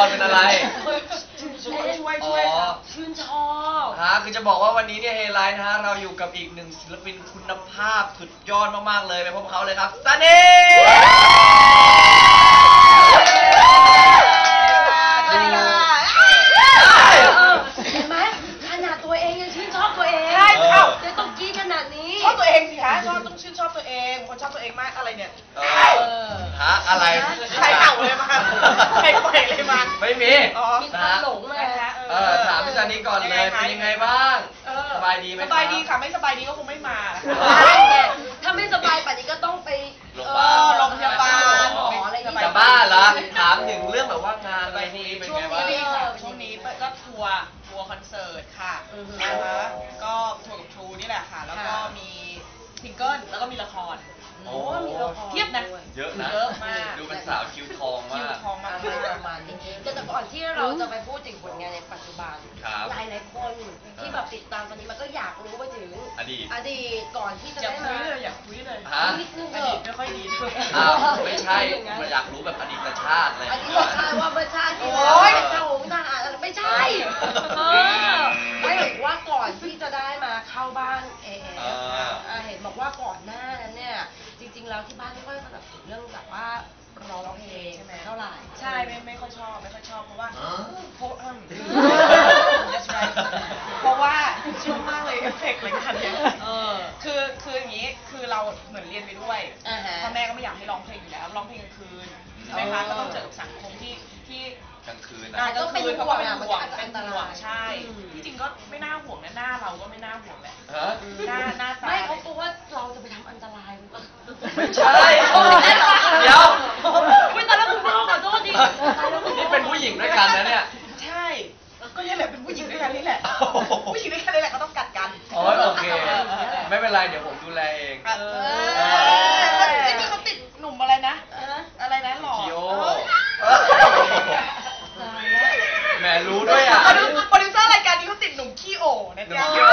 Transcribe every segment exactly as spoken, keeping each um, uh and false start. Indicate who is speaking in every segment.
Speaker 1: รเป็นอะไร
Speaker 2: ช่วยช่วยช่วยชื่นชอบ
Speaker 1: ฮะคือจะบอกว่าวันนี้เนี่ยเฮไลท์นะฮะเราอยู่กับอีกหนึ่งศิลปินคุณภาพสุดยอดมากๆเลยไปพบเขาเลยครับซันนี่
Speaker 2: เห็นไหมขนาดตัวเองยังชื่นชอบตัวเอง
Speaker 3: ใช่เอ้า
Speaker 2: จะต้องกี้ขนาดนี้
Speaker 3: ชอบตัวเองสิคะชอบต้องชื่นชอบตัวเองคนชอบตัวเองมากอะไรเนี่ย
Speaker 1: ฮะอะไร
Speaker 3: ใครเห่าเลยมาใครปล่อยเลยมา
Speaker 1: ไม่มี
Speaker 2: มีคนหลงมา
Speaker 1: เออถามพี่ซันนี่ก่อนเลยเป็นยังไงบ้างสบายดีไหม
Speaker 3: สบายดีค่ะไม่สบายดีก็คงไม่มา
Speaker 2: ถ้าไม่สบายป่านนี้ก็ต้องไป
Speaker 3: โรงพยาบาล
Speaker 1: จะบ้าเหรอถามถึงเรื่องแบบว่างานอะไรพวกนี้เป็นไงบ้าง
Speaker 3: ช่วงนี้ก็ทัวร์ทัวร์คอนเสิร์ตค่ะนะคะก็ทัวร์กับทรูนี่แหละค่ะแล้วก็มีซิงเกิลแล้วก็มีละคร
Speaker 1: โอ้
Speaker 3: เทียบนะ
Speaker 1: เยอะนะ
Speaker 3: เยอะมาก
Speaker 1: ดูเป็นสาวคิวทองมาก
Speaker 3: คิวทองมาก
Speaker 2: ประมาณนี้แต่ก่อนที่เราจะไปพูดถึงผลงานในปัจจุบันหลายหลายคนที่แบบติดตามตอนนี้มันก็อยากรู้ไปถึง
Speaker 1: อดีต
Speaker 2: อดีตก่อนที่จะได้
Speaker 3: มาอยากคุยเลย
Speaker 2: นิดนึง
Speaker 3: อดีตไม่ค่อยดี
Speaker 1: อ้าวไม่ใช่มันอยากรู้แบบอดีตชาติอะไร
Speaker 2: อดีตชาติว่าเมื่อชาติที่แล้วเจ้าหงทหารไม่ใช่ไม่เห็นว่าก่อนที่จะได้มาเข้าบ้านเอเอเห็นบอกว่าก่อนหน้านั้นเนี่ยจริงๆแล้วที่บ้านไม่ค่อยสนับสนุนเรื่องแบบว่าร้องเพลงเท่าไหร่
Speaker 3: ใช่ไม่ไม่ค่อยชอบไม่ค่อยชอบเพราะว่าเพราะเพราะว่าชอบมากเลยเอฟเฟกต์อะไรกันเนี่ยคือคืออย่างนี้คือเราเหมือนเรียนไปด้วยพ่อแม่ก็ไม่อยากให้ร้องเพลงอยู่แล้วร้องเพลงกลางคืนใช่ไหมคะก็ต้องเจอกับสังคมที่ที่
Speaker 1: กลางคืน
Speaker 3: นะก็เป็นห่วงเป็นห่วงเป็นห่วงใช่ที่จริงก็ไม่น่าห่วงนะหน้าเราก็ไม่น่าห่วงแหละหน้าหน้าตา
Speaker 2: ไม่เขากลัวว่าเราจะไปทำอันตราย
Speaker 1: ไม่ใช่เดี๋ยว
Speaker 2: ไม่ตอนแรกคุณพ่อขอโทษดิ
Speaker 1: นี่เป็นผู้หญิงด้วยกันนะเนี่ย
Speaker 3: ใช่ก็นี่แหละเป็นผู้หญิงด้วยกันนี่แหละผู้หญิงด้วยกันนี่แหละก็ต้องกัดกัน
Speaker 1: อ๋อโอเคไม่เป็นไรเดี๋ยวผมดูแลเอง
Speaker 3: ไอ้นี่เขาติดหนุ่มอะไรนะอะไรนะหล่อ
Speaker 1: คิโอแหมรู้ด้วยอ่ะ
Speaker 3: โปรดิวเซอร์รายการนี้เขาติดหนุ่มขี้โอนะจ๊ะ
Speaker 1: ขี้โอ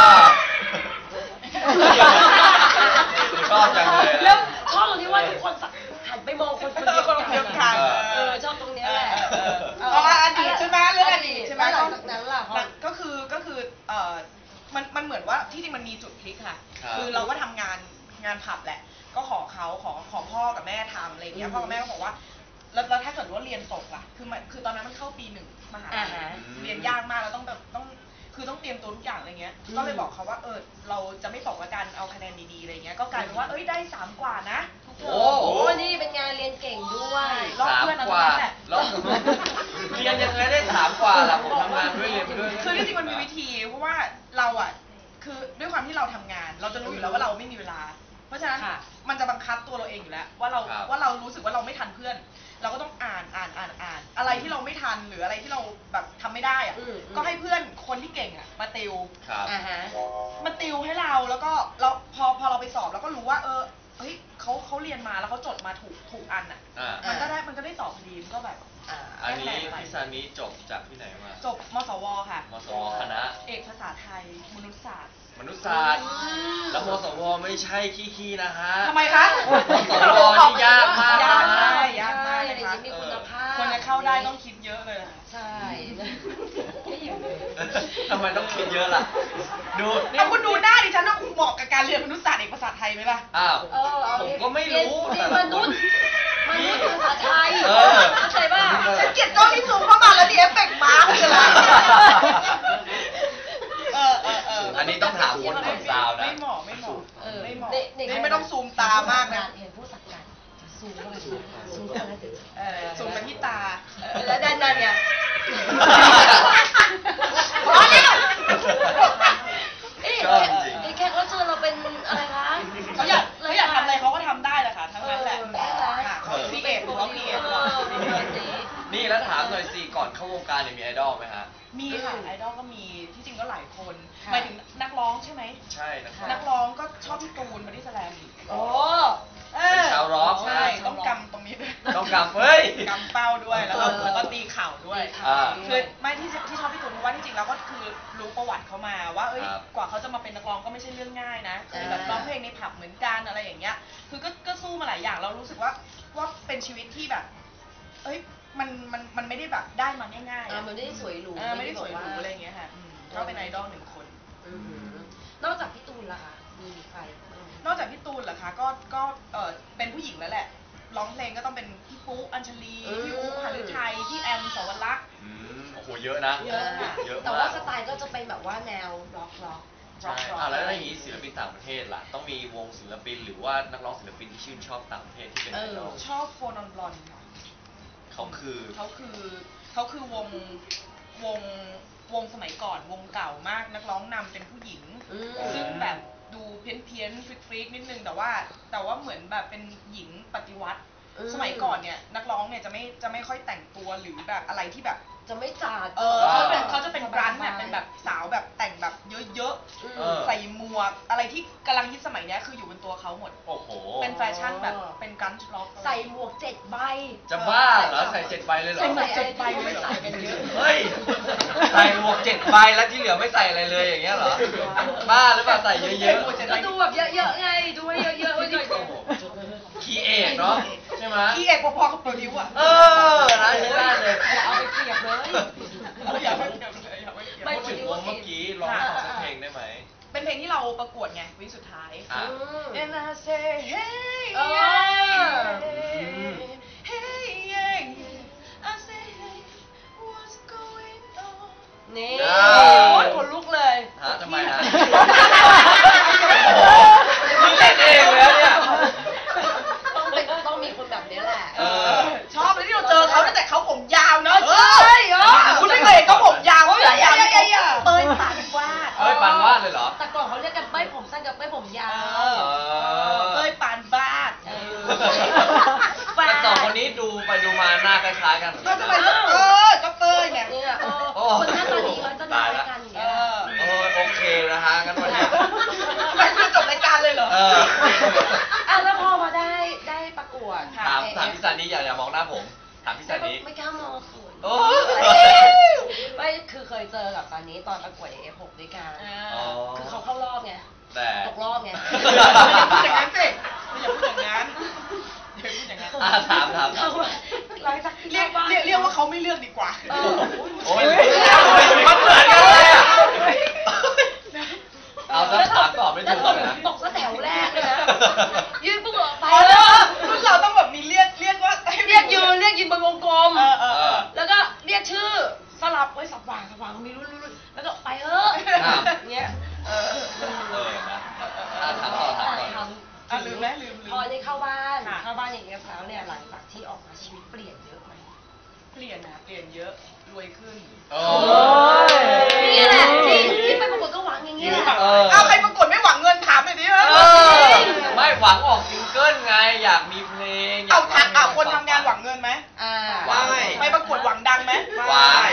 Speaker 1: ชอบจังเลย
Speaker 2: แล้วชอบตรงที่ว่าทุกคนหันไปมองคนคนเดียว
Speaker 3: กัน
Speaker 2: เออชอบตรงนี้แหละ
Speaker 3: เอาอดีตใช่ไหมเรื่องอดีตใช่ไหม
Speaker 2: หลังจากนั้นล่ะ
Speaker 3: ก็คือก็คือเอ่อมันมันเหมือนว่าที่จริงมันมีจุดพลิกค่ะคือเราก็ทำงานงานผับแหละก็ขอเขาขอขอพ่อกับแม่ทำอะไรเงี้ยพ่อกับแม่ก็บอกว่าแล้วถ้าเกิดว่าเรียนตกล่ะคือมันคือตอนนั้นมันเข้าปีหนึ่งมหาลัยเรียนยากมากแล้วต้องแบบต้องคือต้องเตรียมตัวทุกอย่างอะไรเงี้ยก็เลยบอกเขาว่าเออเราจะไม่ตกละกันเอาคะแนนดีๆอะไรเงี้ยก็กลายเป็นว่าเอ้ยได้สามกว่านะ
Speaker 2: โอ้โหนี่เป็นงานเรียนเก่งด้วย
Speaker 1: สามกว่าแล้วเรียนยังไงได้สามกว่าล่ะผมทำงานด้วยเรียนไปด้วย
Speaker 3: คือที่จริงมันมีวิธีเพราะว่าเราอ่ะคือด้วยความที่เราทำงานเราจะรู้อยู่แล้วว่าเราไม่มีเวลาเพราะฉะนั้นมันจะบังคับตัวเราเองอยู่แล้วว่าเราว่าเรารู้สึกว่าเราไม่ทันเพื่อนเราก็ต้องอ่านอ่านอ่านอ่านอะไรที่เราไม่ทันหรืออะไรที่เราแบบทำไม่ได้อ่ะก็ให้เพื่อนคนที่เก่งอ่ะมาติวมาติวให้เราแล้วก็เราพอพอเราไปสอบเราก็รู้ว่าเออเฮ้ยเขาเขาเรียนมาแล้วเขาจดมาถูกถูกอันอ่ะมันก็ได้มันก็ได้สอบพอดีมันก็แบบ
Speaker 1: อันนี้พี่ซานิจบจากที่ไหนมา
Speaker 3: จบมสวค่ะ
Speaker 1: มสวคณะ
Speaker 3: เอกภาษาไทยมนุษยศาสตร์
Speaker 1: มนุษยศาสตร์แล้วมสวไม่ใช่ขี้ๆนะฮะ
Speaker 3: ทำไมคะ
Speaker 1: มสวนี่ยากมาก
Speaker 3: ยากมากยากมาก
Speaker 2: เลยค่ะมีคุณภาพ
Speaker 3: คนจะเข้าได้ต้องคิดเยอะเลย
Speaker 2: ใช่
Speaker 1: ทำไมต้องคิดเยอะล่ะดู
Speaker 3: นี่คุณดูหน้าดิฉันว่าเหมาะกับการเรียนมนุษยศาสตร์เอกภาษาไทยไหมล่ะ
Speaker 1: อ้าวผมก็ไม่รู้
Speaker 2: มนุษย์มนุษย์ภาษาไทยเข้าใจป่ะ
Speaker 3: ฉันเกลียดกล้องที่ซูมเข้ามาแล้วดิเอฟเฟกต์มาร์กเลย
Speaker 1: อันนี้ต้องถามคนของซาวนะ
Speaker 3: ไม่เหมาะไม่เหมาะไม่เหมาะนี่ไม่ต้องซูมตามากนะ
Speaker 2: เห็นผู้สักการซูมเข้าไปซูมเข้าไป
Speaker 3: ซูมไปที่ตา
Speaker 2: แล้วด้านนั้นเนี่ย
Speaker 1: ชอบจริง
Speaker 2: นี่แค่เขาเชิญเราเป็นอะไรคะ
Speaker 3: เขาอยากเขาอยากทำอะไรเขาก็ทำได้แหละค่ะทั้งนั้นแหละเขาพีเอฟเขาพีเอฟ
Speaker 1: นี่แล้วถามหน่อยสิก่อนเข้าวงการเนี่ยมีไอดอลไหมฮะ
Speaker 3: มีค่ะไอดอลก็มีที่จริงก็หลายคนหมายถึงนักร้องใช่ไหม
Speaker 1: ใช่
Speaker 3: นักร้องก็ชอบพี่ตูนบอดี้สแลม
Speaker 2: โอ้
Speaker 1: เป็นชาวร็อก
Speaker 3: ใช่ต้องกำตรงนี้ด้วย
Speaker 1: ต้องกำเฮ้ย
Speaker 3: กำเป้าด้วยแล้วแล้วก็ตีเข่าด้วยคือไม่ที่ที่ชอบพี่ตูนเพราะว่าที่จริงแล้วก็คือรู้ประวัติเขามาว่าเอ้ยกว่าเขาจะมาเป็นนักร้องก็ไม่ใช่เรื่องง่ายนะคือแบบร้องเพลงในผับเหมือนกันอะไรอย่างเงี้ยคือก็ก็สู้มาหลายอย่างเรารู้สึกว่าว่าเป็นชีวิตที่แบบเอ้ยมันมันมันไม่ได้แบบได้มาง่ายๆ
Speaker 2: อ่า
Speaker 3: อะ
Speaker 2: มันไม่ได้สวยหรู
Speaker 3: เออไม่ได้สวยหรู
Speaker 2: แบบว่า
Speaker 3: อะไรอย่างเงี้ยค่ะอืมก็เป็นไอดอลหนึ่งคน
Speaker 2: อือหือนอกจากพี่ตูนล่ะคะมีใครบ้าง
Speaker 3: นอกจากพี่ตูนเหรอคะก็ก็เออเป็นผู้หญิงแล้วแหละร้องเพลงก็ต้องเป็นพี่ปุ๊อัญชลี
Speaker 2: อืม
Speaker 3: พี่อุ๊หฤทัยพี่แอมสวรักษ์
Speaker 1: อืมโอ้โหเยอะนะ
Speaker 2: เยอะค่ะ
Speaker 1: เยอะ
Speaker 2: แต่
Speaker 1: มา
Speaker 2: ว่าก สไตล์ก็จะเป็นแบบว่าแนวร็อกร็อก
Speaker 1: ใช่อ่ะแล้วอย่างนี้ศิลปินต่างประเทศล่ะต้องมีวงศิลปินหรือว่านักร้องศิลปินที่ชื่นชอบต่างประเทศที่เป็นไอดอล
Speaker 3: ชอบโฟนอนบลอนค่ะ
Speaker 1: เขาคือ
Speaker 3: เขาคือเขาคือวงวงวงสมัยก่อนวงเก่ามากนักร้องนำเป็นผู้หญิง
Speaker 2: อืม
Speaker 3: ซึ่งแบบดูเพี้ยนเพี้ยนฟริกฟริกนิดนึงแต่ว่าแต่ว่าเหมือนแบบเป็นหญิงปฏิวัติ
Speaker 2: อืม
Speaker 3: สมัยก่อนเนี่ยนักร้องเนี่ยจะไม่จะไม่ค่อยแต่งตัวหรือแบบอะไรที่แบบ
Speaker 2: จะไม่จัด
Speaker 3: เออเขาเป็นเขาจะเป็นกรันเนี่ยเป็นแบบสาวแบบแต่งแบบเยอะ
Speaker 2: อืม
Speaker 1: เออ
Speaker 3: ๆใส่หมวกอะไรที่กำลังฮิตสมัยเนี้ยคืออยู่บนตัวเขาหมด
Speaker 1: โอ้โห
Speaker 3: เป็นแฟชั่นแบบเป็นกรันช์ล็อก
Speaker 2: ใส่หมวกเจ็ดใบ
Speaker 1: จะบ้าเหรอใส่เจ็ดใบเลยเหรอ
Speaker 2: ใส่หมวกเจ็ดใบไม่ใส่กันเยอะ
Speaker 1: เฮ้ยใส่หมวกเจ็ดใบแล้วที่เหลือไม่ใส่อะไรเลยอย่างเงี้ยเหรอบ้าหรือเปล่าใส่เยอะๆ
Speaker 2: ก็ดูแบบเยอะๆไงดูให้เยอะๆไว้หน่อย
Speaker 1: โอ้โหคีเอทเนาะใช่ไหม
Speaker 3: อีเอกพอๆกับโปรดิวอะ
Speaker 1: เออนะใช้ได้เลย
Speaker 2: อย่าเอาไปเปรียบเลย
Speaker 3: อย่าไปเกี่ยวเลยอย่าไปเกี่ยว
Speaker 2: ไม่
Speaker 1: พูดถึงวงเมื่อกี้ร้องสักเพลงได้ไหม
Speaker 3: เป็นเพลงที่เราประกวดไงวิสุดท้าย
Speaker 1: อ่ะ
Speaker 3: And I say hey
Speaker 2: เออ
Speaker 3: hey yeah I say hey what's going on
Speaker 2: นี่
Speaker 1: เอ
Speaker 2: โอ้
Speaker 1: อ
Speaker 2: ยขนลุกเลย
Speaker 1: ฮะทำไมฮะมึงเล่นเองแล้วเนี่ย
Speaker 2: ต้องเป็นต้องมีคนแบบนี้แหละ
Speaker 1: เออ
Speaker 3: ชอบเลยที่เราเจอเขาตั้งแต่เขาผมยาวเนอะ
Speaker 2: ใช่เหรอ
Speaker 3: คุณไม่เคยเห็นเขาผมยาวเขายาวนี่เขาเตยปานวาด
Speaker 1: เอ้ยปานวาดเลยเหรอ
Speaker 2: แต่ก่อนเขาเรียกกันเป้ยผมสั้นกับเป้ยผมยาว
Speaker 3: เออเตยปานวาด
Speaker 2: เออ
Speaker 1: แต่สองคนนี้ดูไปดูมาหน้าคล้ายๆกันเหมือน
Speaker 3: ก็
Speaker 1: กัน
Speaker 3: จะ
Speaker 1: นะ
Speaker 3: เป็นเออก็เตยไง
Speaker 2: เนี่ยเออ
Speaker 1: โอ้
Speaker 2: คนหน้าตาดีเขาจะน่ารักกันอย่าง
Speaker 3: เอ
Speaker 2: เงี้ย
Speaker 3: อ
Speaker 1: โอ้ยโอเคนะฮะงั้นวันนี้
Speaker 3: ไปคุยจบรายการเลยเหรอ
Speaker 1: เออ
Speaker 2: อ่ะแล้วพอมาได้ได้ประกวด
Speaker 1: ถามถามพี่ซันนี่อย่าอย่ามองหน้าผม ถามพี่ซันนี่
Speaker 2: ไม่กล้ามองเขิน
Speaker 1: โอ้
Speaker 2: ไม่คือเคยเจอกับตอนนี้ตอนประกวด เอ เอฟ หกด้วยกัน
Speaker 1: อ๋อ
Speaker 2: คือเขาเข้ารอบไง
Speaker 1: แต่
Speaker 2: ตกรอบไง
Speaker 3: อย่าพูดอย่างนั้นสิอย่าพูดอย่างนั้นอย่าพูดอย่างนั้น
Speaker 1: อ่ะถามถาม
Speaker 2: เขาหลังจากที่
Speaker 3: เรียก
Speaker 2: บ้าน
Speaker 3: เรียกเรียกว่าเขาไม่เลือกดีกว่า
Speaker 2: เออ
Speaker 1: โอ้ยมันเหมือนกันเลยอ่ะ เอาซะถามตอบไม่ถูกเลยนะ
Speaker 2: ตกซะแถวแรกเลยนะยืนปุ๊บออกไป
Speaker 3: อ๋อ
Speaker 2: แล้
Speaker 3: แล้ว
Speaker 2: ว
Speaker 3: รุ่นเราต้องแบบมีเรียกเรียกว่าให้
Speaker 2: เรียกยืนเรียกยืนบนวงกลม
Speaker 3: เออเออเออ
Speaker 2: แล้วก็เรียกชื่อสลับไว้สับวางสับวางมีรุ่นรุ่นรุ่นแล้วก็ไปเถอะ
Speaker 1: ครับ
Speaker 2: เงี้ย
Speaker 3: เออ
Speaker 1: เออนะอ่ะถามต่อถามต่อ
Speaker 3: อ่ะลืมไหมลืมลืม
Speaker 2: พอได้เข้าบ้าน
Speaker 3: ค่ะ
Speaker 2: เข้าบ้านอย่างเงี้ยแล้วเนี่ยหลังจากที่ออกมาชีวิตเปลี่ยนเยอะไหม
Speaker 3: เปลี่ยนนะเปลี่ยนเยอะรวยขึ้น
Speaker 1: โอ้
Speaker 2: นี่แหละที่ที่ไปประกวดก็หวังอย่างนี้แหละ
Speaker 1: เออ
Speaker 3: เอาใครประกวดไม่หวังเงินถามหน่อยดิ
Speaker 1: เออไม่หวังออกซิงเกิลไง อยากมีเพลงย
Speaker 3: เอา
Speaker 1: ก
Speaker 3: ทัก
Speaker 1: ร้
Speaker 3: เอา
Speaker 1: ง
Speaker 3: คนทำงานหวังเงินไหม
Speaker 2: อ่า
Speaker 1: หวัง
Speaker 3: ไปประกวดหวังดังไหม
Speaker 1: วาย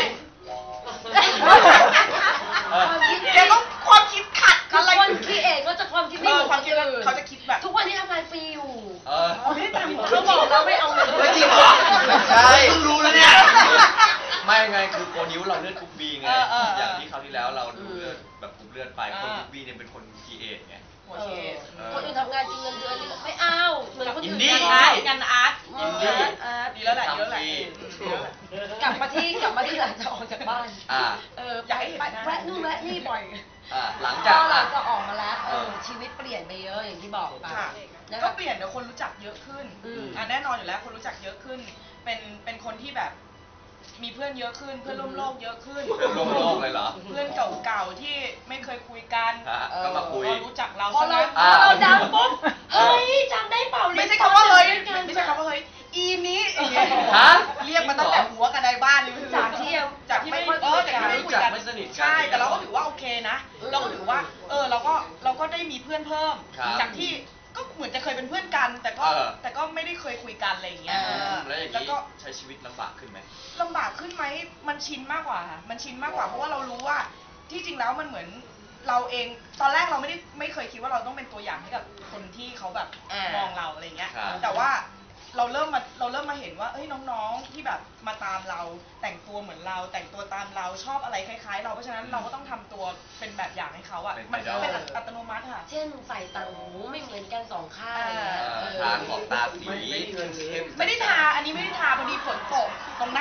Speaker 1: เออ
Speaker 3: แกก็ความคิดขัด
Speaker 2: คือ
Speaker 3: อะไร
Speaker 2: คนคิดเองก็จะความคิดไม่
Speaker 3: เอ
Speaker 2: เห
Speaker 3: อ
Speaker 2: มือน
Speaker 3: ความคิด
Speaker 2: นอื่น
Speaker 3: เขาจะคิดแบบ
Speaker 2: ทุกวันนี้ทำงานฟรีอยู่
Speaker 1: เออ
Speaker 3: ไม่ได้ตังค์เหรอ
Speaker 2: เขาบอกเราไม่เอาเงิน
Speaker 1: ไม่จริงเหรอใช่เพิ่งรู้แล้วเนี่ย ไม่ไงคือโปรดิวเราเลือดกรุ๊ปบีไง
Speaker 3: เออเออเออ
Speaker 1: อย่างที่คราวที่แล้วเราดูเลือดแบบกรุ๊ปเลือดไปคนกรุ๊ปบีเนี่ยเป็นคนคีเอทไง
Speaker 3: หัว
Speaker 2: เอ
Speaker 3: เช
Speaker 2: อ
Speaker 3: ษ
Speaker 2: คนอื่นทำงานจริงเงินเดือนนี่ไม่เอาเหมือนคนอื่น
Speaker 1: อินดี้
Speaker 2: งานอาร์ต
Speaker 3: งานอาร์ต
Speaker 1: อินดี้
Speaker 2: อาร์ต
Speaker 3: ดีแล้วแหละดีแล้วแหละ
Speaker 2: กลับมาที่กลับมาที่หลังจากออกจากบ้าน
Speaker 1: อ่า
Speaker 2: เออ
Speaker 3: อยากให้เห็น
Speaker 2: ไป
Speaker 3: หน้า
Speaker 2: แวะนู่นแวะนี่บ่อย
Speaker 1: อ่าหลัง
Speaker 2: พ
Speaker 1: จาก
Speaker 2: อหลั
Speaker 1: อ่ะ
Speaker 2: งจากออกมาแล้วเอ
Speaker 1: เอ
Speaker 2: อ
Speaker 1: อ
Speaker 2: ชีวิตเปลี่ยนไปเยอะอย่างที่บอกไป
Speaker 3: ค่ะ
Speaker 2: นะ
Speaker 3: ก็
Speaker 2: คะ
Speaker 3: เปลี่ยนเดี๋ยวคนรู้จักเยอะขึ้น
Speaker 2: อืม
Speaker 3: อ่ะแน่นอนอยู่แล้วคนรู้จักเยอะขึ้น เป็นเป็นคนที่แบบมีเพื่อนเยอะขึ้น เพื่อนร่วมโลกเยอะขึ้น
Speaker 1: เพื่อนร่วมโลกเลยเหรอ
Speaker 3: เพื่อนเก่าๆที่ไม่เคยคุยกัน
Speaker 1: ฮะก็มาคุย
Speaker 3: ก็รู้จักเรา
Speaker 2: พอ
Speaker 3: ซะ
Speaker 2: เรา
Speaker 3: งั้น
Speaker 2: พอเราดังปุ๊บเฮ้ยจำได้เปล่า
Speaker 3: ไม่ใช่คำว่าเฮ้ย
Speaker 2: รีน
Speaker 3: ไม่ใช่คำว่าเฮ้ยอีนี้
Speaker 1: ฮะ
Speaker 3: เรียกมาตั้งแต่หัวกันในบ้านเลย
Speaker 2: จากที่ยัง
Speaker 3: จากที่ไม่
Speaker 2: ค่อย
Speaker 3: เอ
Speaker 2: คุ
Speaker 3: อย จาก
Speaker 2: กัน
Speaker 3: ที่ไม่คุย
Speaker 1: จาก
Speaker 3: กัน
Speaker 1: ไม่สนิทกัน
Speaker 3: ใช่แต่เราก็ถือว่าโอเคนะ
Speaker 2: อืม
Speaker 3: เราก็ถือว่า เออเราก็เราก็ได้มีเพื่อนเพิ่ม
Speaker 1: ครับ
Speaker 3: จากที่ก็เหมือนจะเคยเป็นเพื่อนกัน แต่ก็
Speaker 1: เออ
Speaker 3: แต่ก็ไม่ได้เคยคุยกันอะไรอย่างเงี้ย
Speaker 1: อืมแล้วอย่าง
Speaker 3: แล้ว
Speaker 1: นี้
Speaker 3: ก็
Speaker 1: ใช้ชีวิตลำบากขึ้นไหม
Speaker 3: ลำบากขึ้นไหมมันชินมากกว่าค่ะมันชินมากกว่าเพราะว่าเรารู้ว่าที่จริงแล้วมันเหมือนเราเองตอนแรกเราไม่ได้ไม่เคยคิดว่าเราต้องเป็นตัวอย่างให้กับคนที่เขาแบบ
Speaker 2: อ่าม
Speaker 3: มองเราอะไรเงี้ย
Speaker 1: ครับ
Speaker 3: แต่ว่าเราเริ่มมาเราเริ่มมาเห็นว่าเอ้ยน้องๆที่แบบมาตามเราแต่งตัวเหมือนเราแต่งตัวตามเราชอบอะไรคล้ายๆ เราเพราะฉะนั้นเราก็ต้องททำตัวเป็นแบบอย่างให้เขาอ่ะ
Speaker 1: เป็น
Speaker 3: มัน
Speaker 1: ไอดอล
Speaker 3: เป็นอัตโนมัติค่ะ
Speaker 2: เช่นใส่ต่างหูไม่เหมือนกันสองข้าง
Speaker 3: อ่า
Speaker 2: เออ
Speaker 1: ทาขอบตาสีเข้ม
Speaker 3: ไม่ได้ทาอันนี้ไม่ได้ทาพอดีฝนตกตรงหน้า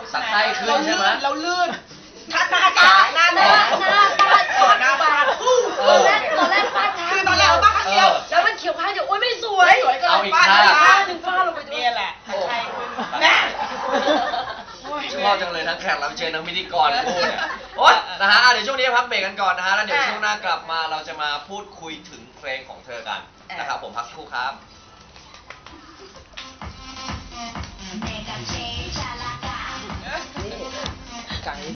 Speaker 1: สักไส้ขึ้นใช่ไหม
Speaker 3: เราลื่นถ้าหน้า
Speaker 2: ตา
Speaker 3: ตาหน้า
Speaker 2: ห
Speaker 3: หน้า
Speaker 2: น้าหน้าฟาด
Speaker 3: เออหน้าฟาด
Speaker 2: ตอนแรกตอนแรกฟาดข้าง
Speaker 3: คือตอนแรกเอาฟาดข้างเดียว
Speaker 2: แล้วมันเขียวข้างเดียวโอ๊ยไม่สวย
Speaker 3: สวยก็เล
Speaker 1: เอา
Speaker 3: ย
Speaker 1: อีก
Speaker 3: ฟาด
Speaker 1: ข้าง
Speaker 3: ฟา
Speaker 2: ข้า
Speaker 3: ด
Speaker 2: งหนึ่งฟาดลงไปด้วย
Speaker 3: นี่แหละใช่แม่
Speaker 1: ชอบจังเลยทั้งแขกรับเชิญทั้งพิธีกรคู่เนี่ยโอ๊ยนะฮะอ่ะเดี๋ยวช่วงนี้พักเบรกกันก่อนนะฮะแล้วเดี๋ยวช่วงหน้ากลับมาเราจะมาพูดคุยถึงเพลงของเธอกันนะครับผมพักสักครู่ครับ
Speaker 4: 내가 제일 잘 나가.